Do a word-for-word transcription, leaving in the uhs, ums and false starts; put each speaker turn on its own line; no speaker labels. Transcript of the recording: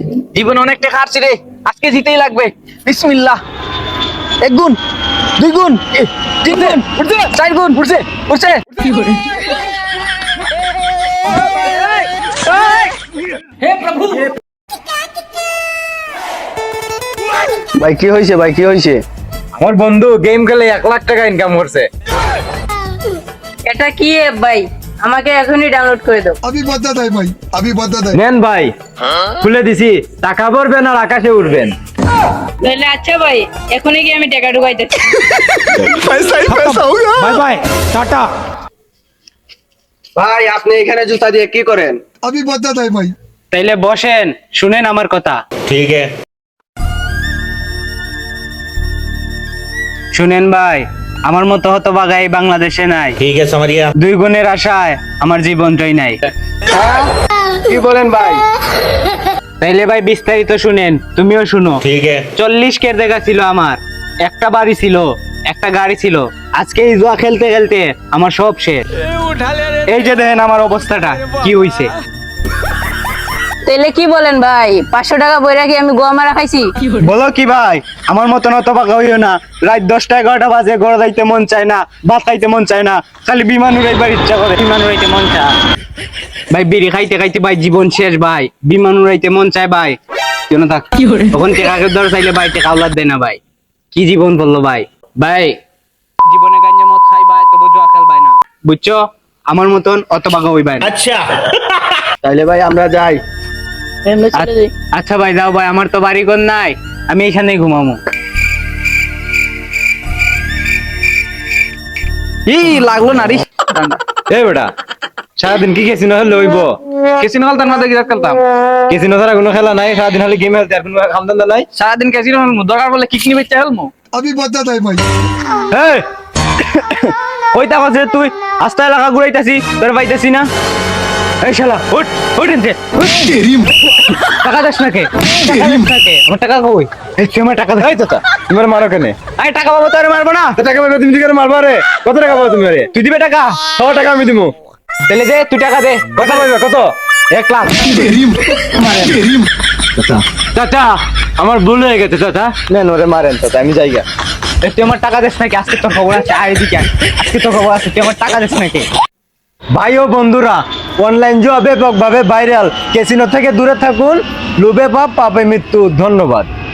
জীবন অনেক টাকা হারছি রে, আজকে জিতেই লাগবে। বিসমিল্লাহ। এক গুণ, দুই গুণ, এ, তিন গুণ, উঠছে, চার গুণ, উঠছে, উঠছে।
ভাই কি হয়েছে ভাই কি হয়েছে?
আমার বন্ধু গেম খেলে এক লাখ টাকা ইনকাম করছে।
এটা কি অ্যাপ ভাই? আমাকে এখনই ডাউনলোড করে দাও।
अभी बदत है भाई, अभी बदत है।
নেন ভাই, খুলে দিছি। টাকা ভরবেন আর আকাশে উঠবেন।
তাহলে আচ্ছা ভাই, এখনই কি আমি টাকা ঢুকাইতেছি।
पैसा ही पैसा होगा।
Bye bye, tata.
ভাই আপনি এখানে জুতা দিয়ে কি করেন?
अभी बदत है भाई।
তাইলে বসেন, শুনেন আমার কথা।
ठीक है।
শুনেন ভাই, আমার মতো হতভাগা এই বাংলাদেশে নাই।
ठीक है, समझ गया।
দুই গুণের আশায় আমার জীবনটাই নাই।
কি বলেন ভাই?
তাইলে ভাই বিস্তারিত শুনেন, তুমিও শুনো।
ठीक है।
চল্লিশ কের দেখা ছিল আমার, একটা বাড়ি ছিল, একটা গাড়ি ছিল। আজকে এই জুয়া খেলতে খেলতে আমার সব শেষ। এই যে দেখেন আমার অবস্থাটা কি হইছে।
তাহলে কি বলেন ভাই, পাঁচশো টাকা বই রাখি আমি গোয়া মারা খাইছি।
বলো কি ভাই, আমার মতন অত বাঁকা হইও না। রাত দশটা এগারোটা বাজে, ঘর যাইতে মন চায় না, ভাত খাইতে মন চায় না, খালি বিমান উড়াইবার ইচ্ছা করে। বিমান উড়াইতে মন চায় ভাই, বিড়ি খাইতে খাইতে ভাই জীবন শেষ ভাই। বিমান উড়াইতে মন চায় ভাই, কেন থাক তখন টেকাকে ধর চাইলে ভাই টেকা উলাদ দেয় না ভাই। কি জীবন বললো ভাই। ভাই জীবনে গাঞ্জা মদ খাই ভাই, তবু জুয়া খেল ভাই না, বুঝছো? আমার মতন অত বাঁকা হই ভাই না।
अच्छा।
তাইলে ভাই আমরা যাই।
আমরা চলে যাই।
আচ্ছা ভাই যাও ভাই, আমার তো বাড়ি ঘর নাই, আমি এখানেই ঘুমাবো। ই লাগলো না রে।
এই বেটা, সারাদিন কি কেসিনো খেললে হইব?
কেসিনো খেলতাম না, দেখি খেলতাম।
কেসিনো ছাড়া কোনো খেলা নাই, সারাদিন খালি গেম খেলতে, আর কোনো খামদান্দা নাই।
সারাদিন কেসিনো খেলবো, দরকার বলে কিকনি বেচতে খেলবো।
अभी बदत है भाई।
এই ওই টাকা যে তুই আস্তা এলাকা ঘুরাইতাছি, তোর পাইতাছি না। এই শালা উঠ, উঠ এনতে, উঠ।
টাকা দাস নাকি? টাকা দাস নাকি? আমার টাকা কই?
এই তুই আমার টাকা দে। এই চাচা, তুমি আর মারো কেনে?
আরে টাকা পাবো তো আর মারবো না।
তো টাকা পাবে, তুমি কি করে মারবা রে? কত টাকা পাবো তুমি রে?
তুই দিবে টাকা?
সব টাকা আমি দিমু।
তাহলে দে, তুই টাকা দে।
কত পাইবে? কত? এক লাখ।
চাচা আমার ভুল হয়ে গেছে চাচা।
নেন ওরে মারেন চাচা, আমি যাইগা।
এ, তুই আমার টাকা দিস নাকি? আজকে তোর খবর আছে, আয় এদিকে আয়। আজকে তোর খবর আছে, তুই আমার টাকা দিস নাকি?
ভাই ও বন্ধুরা, অনলাইন জুয়া ব্যাপকভাবে ভাইরাল। ক্যাসিনো থেকে দূরে থাকুন, লোভে পাপ, পাপে মৃত্যু। ধন্যবাদ।